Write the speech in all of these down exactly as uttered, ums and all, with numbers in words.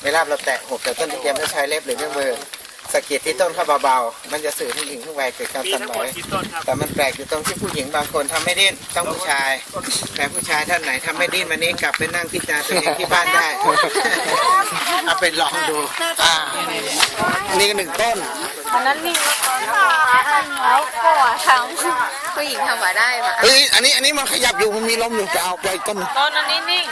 เวลาเราแตะหุบแต่ต้นตะเกียบจะใช้เล็บหรือเครื่องมือสะกิดที่ต้นเข้าเบาๆมันจะสื่อถึงถึงทุกวัยเกิดการสั่นไหวแต่มันแปลกอยู่ตรงที่ผู้หญิงบางคนทำไม่ดิ้นต้องผู้ชายแต่ผู้ชายท่านไหนทำไม่ดิ้นวันนี้กลับไปนั่งพิจารณาตัวเองที่บ้านได้เอาไปลองดูอ่านี่ก็หนึ่งต้นอันนั้นนิ่งแล้วก็ทำผู้หญิงทำมาได้มาเฮ้ยอันนี้อันนี้มันขยับอยู่มันมีลมอยู่ไปเอาไปต้นต้นอันนี้นิ่ง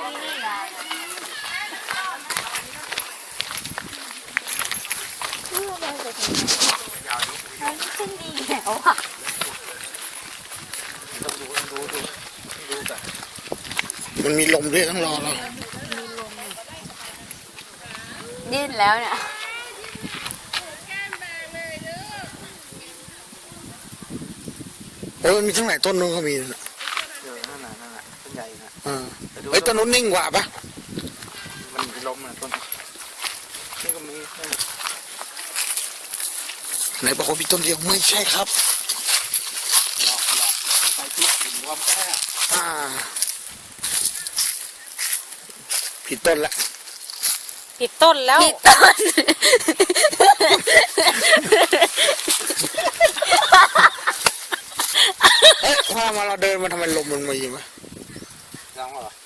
ขึ้นดีแล้วอ่ะมันมีลมด้วยต้องรอเราดิ้นแล้วเนี่ยโอ้ยมีทั้งหลายต้นนู้นก็มีนะเออนั่นน่ะนั่นน่ะต้นใหญ่นะอ่าไอ้ต้นนู้นนิ่งกว่าปะมันมีลมนะต้นนี่ก็มีไหนบอกว่ามีต้นเดียวไม่ใช่ครับหลอกหลอกไปที่หินรวมแค่อ่าผิดต้นละผิดต้นแล้วผิดต้นเอ๊ะพอมาเราเดินมาทำไมลมมันมาอยู่ไหมร้องเหรอ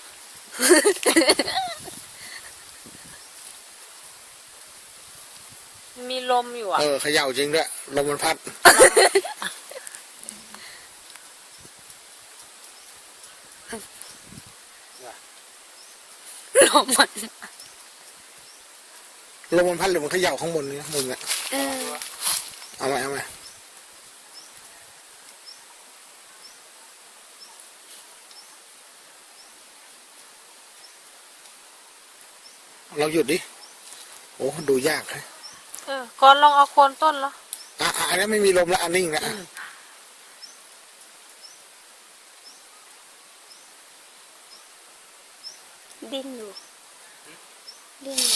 มีลมอยู่อ่ะเออเขย่าจริงด้วยลมมันพัดลมมันลมมันพัดหรือมันเขย่าข้างบนนี่ข้างบนเนี่ยเอาไหมเอาไหมเราหยุดดิโอ้ดูยากเลยเออก่อนลองเอาโคนต้นแล้วอ่ะอันนี้ไม่มีลมแล้วอันนิ่งแล้วดิ้นอยู่ดิ้นอยู่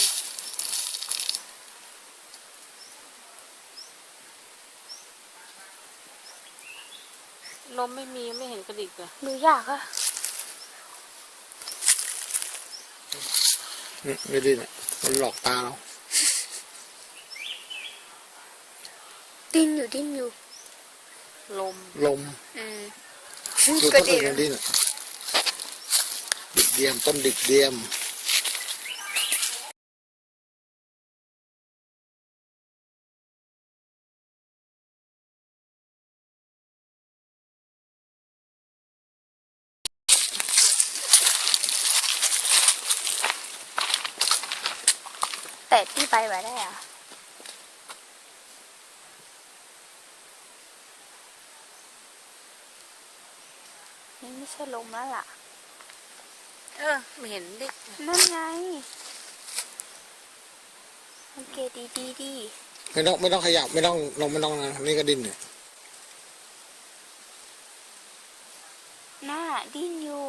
ลมไม่มีไม่เห็นกระดิกเลยดูยากอะไม่ดิ้นอ่ะมันหลอกตาเราดิ้นอยู่ดิ้นอยู่ลมลมอืมดูต้นอื่นดิ้นดิกเดียมต้นดิกเดียมแต่ที่ไปไว้ได้อะนี่ไม่ใช่ลมแล้วล่ะเออไม่เห็นดินั่นไงโอเคดีดีดีไม่ต้องไม่ต้องขยับไม่ต้องลงไม่ต้องนะนี่ก็ดิ้นเนี่ยน่าดิ้นอยู่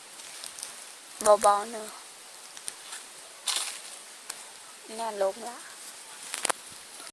เบาๆเนอะน่าลมละ